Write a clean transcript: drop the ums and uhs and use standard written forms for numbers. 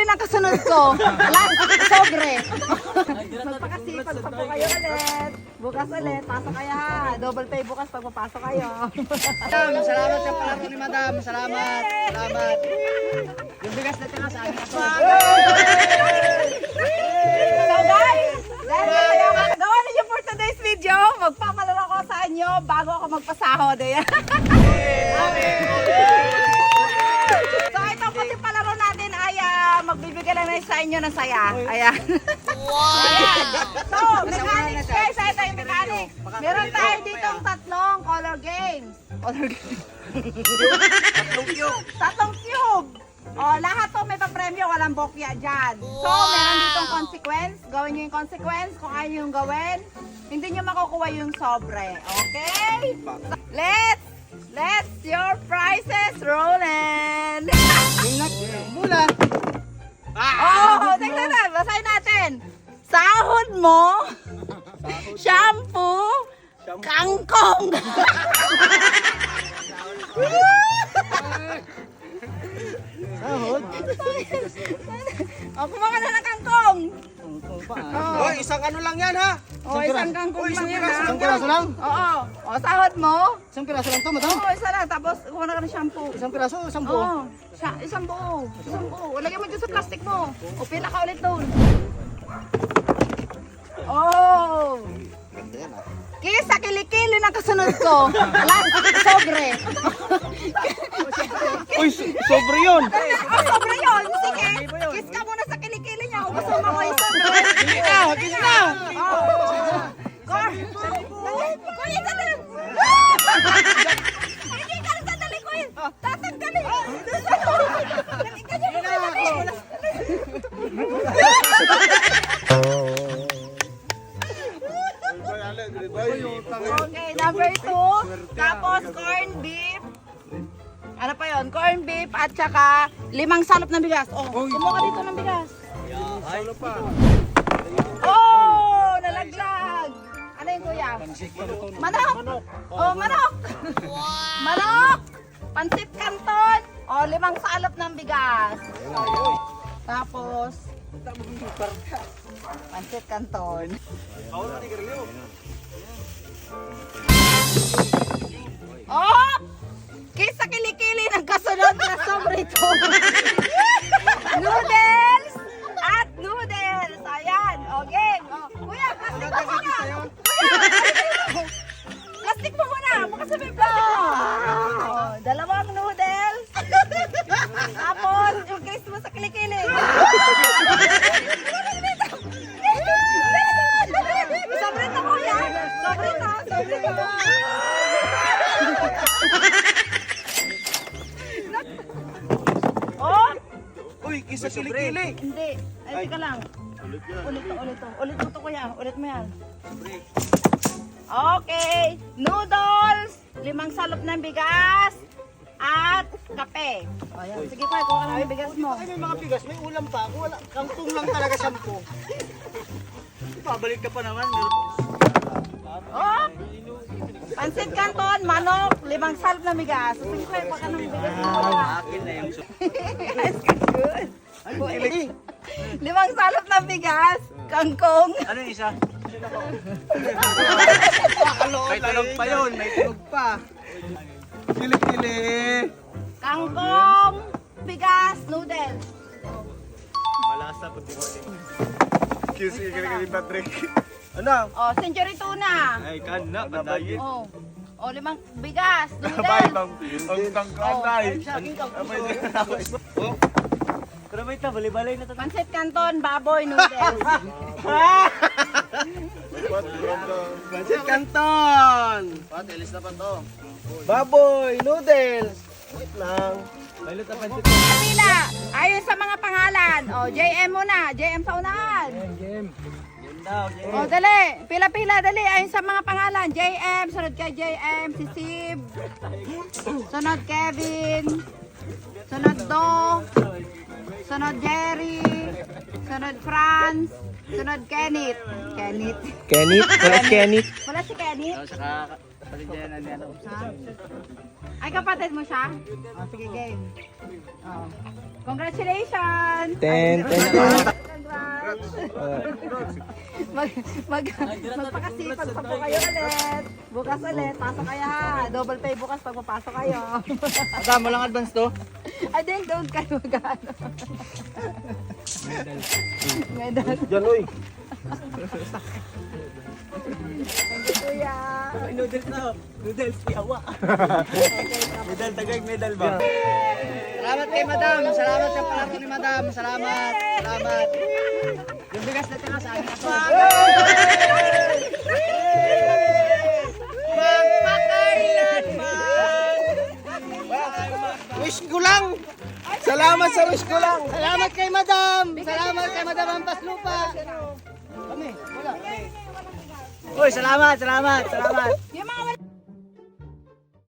ng kasunod ko. Last, sobre. Magpakasipag pa po kayo ulit. Bukas ulit, pasok kayo ha. Double pay bukas pag papasok kayo. Madam, salamat sa palaro ni Madam. Salamat. Salamat. Yung bigas na tira sa amin ako. So guys, dahil gawa ninyo for today's video, magpapalaro ko sa inyo bago ako magpasahod. Ayan. So itong kasi palaro natin ay magbibigay lang sa inyo ng saya. Ayan. Ayan. So, mechanics guys, ito yung mechanics. Meron tayo ditong tatlong color games. Color games. Tatlong cube. O, lahat to may papremyo, walang bokya dyan. So, meron ditong consequence. Gawin nyo yung consequence kung ayaw yung gawin. Hindi nyo makukuha yung sobre. Okay? So, let's your prizes rolling. Mula. Oh, tingnan na. Basahin natin. Sahod mo, shampoo, kangkong. Sahod. Oh, kumain na ng kangkong. Oh, isang ano lang yan ha. Oh, isang kangkong lang yan ha. Isang piraso lang? Oo. Oh, sahod mo. Isang piraso lang to, Madam? Oo, isa lang. Tapos, kuha na ka ng shampoo. Isang piraso, isang buo. Oo. Isang buo. Isang buo. Lagyan mo dyan sa plastic mo. O, pila ka ulit doon. Oh. Ganda yan ah. Kiss sa kilikili ng kasunod ko. Last, sobre. Uy, sobre yun. Oh, sobre yun. Sige. Kiss ka muna sa kilikili niya. Kung gusto mo ko yung sobre. Kiss na. Kuya, sandali. Hindi ka rin sandali, kuya. Tatanggalin. Okay, number 2. Tapos corn beef. Ano pa yon? Corn beef at saka 5 salop ng bigas. Oh, kumuha ka dito ng bigas. Oh, nalaglag. Ano yung kuya? Manok. Oh, manok. Manok. Pansit canton. Oh, 5 salop ng bigas. Tapos pansit canton. Oh! Kiss sa kilikili ng kasunod na sobrito. Noodles at noodles. Ayan. O, game. O, kuya, plastic mo muna. Kuya, plastic mo muna. Baka sabihin plastic mo. O, 2 noodles. Tapos, yung kiss mo sa kilikili. Sobrito, kuya. Sobrito. Sobrito. Oh! Uy, kiss sa kilikili. Hindi. Ay, teka lang. Ulit to, kuya. Ulit mo yan. Okay. Noodles, 5 salop ng bigas, at kape. O, yan. Sige, kuya. Kuha ka ng bigas mo. Ay, may mga bigas, may ulam pa. Wala, kangkong lang talaga 10. Pabalik ka pa naman. Oh! Pansit canton, manok, 5 salop ng bigas. Sige, kuya. Kuha ka ng bigas mo. Akin na yung Yes, good. Ay, hindi. 5 salop ng bigas, kangkong. Ano yung isa? May tunog pa yun, may tunog pa. Kilikili. Kangkong, bigas, noodles. Malasa pag di mo Kiss yung kilikili Patrick. Ano? Oh, century tuna. Ay, kan na, bandayin. Oh. Oh, 5 bigas, Abay, noodles. ang tangkanay. Oh. Pero may balay-balay na Pansit canton, baboy, noodles. Pansit Canton! Pat, ilis na pa to. Baboy! Noodles! Wait lang. May luta pansit. Pila, ayon sa mga pangalan. Oh, JM muna, JM sa unahan. Yun daw, Oh, dali. Pila-pila, dali. Ayon sa mga pangalan. JM, sunod kay JM, si Sib. Sunod Kevin. Sunod Do. Sunod Jerry. Sunod Franz. Sunod Kenneth. Kenneth. Kenneth? Wala si Kenneth. Wala si Kenneth? Saka kapatid niya na niya. Ha? Ay, kapatid mo siya? Oh, sige, game. Oh. Congratulations! Ten. Congrats! Magpakasipag pa po kayo ulit. Bukas ulit, pasok kayo ha. Double pay bukas pag papasok kayo. Madam, walang advance to? Ay, din, doon kayo mag-ano. Medal. Diyan, uy. Thank you, kuya. Noodles na. Noodles, yawa. Medal, tagay, medal ba? Salamat kay madam. Salamat sa palaro ni madam. Salamat. Salamat. Yung bigas na tira sa akin ako. Wish ko lang. Salamat sa wish ko lang. Salamat kay madam. Salamat kay madam Ampas Lupa. Kami, wala. Uy, salamat. Yung mga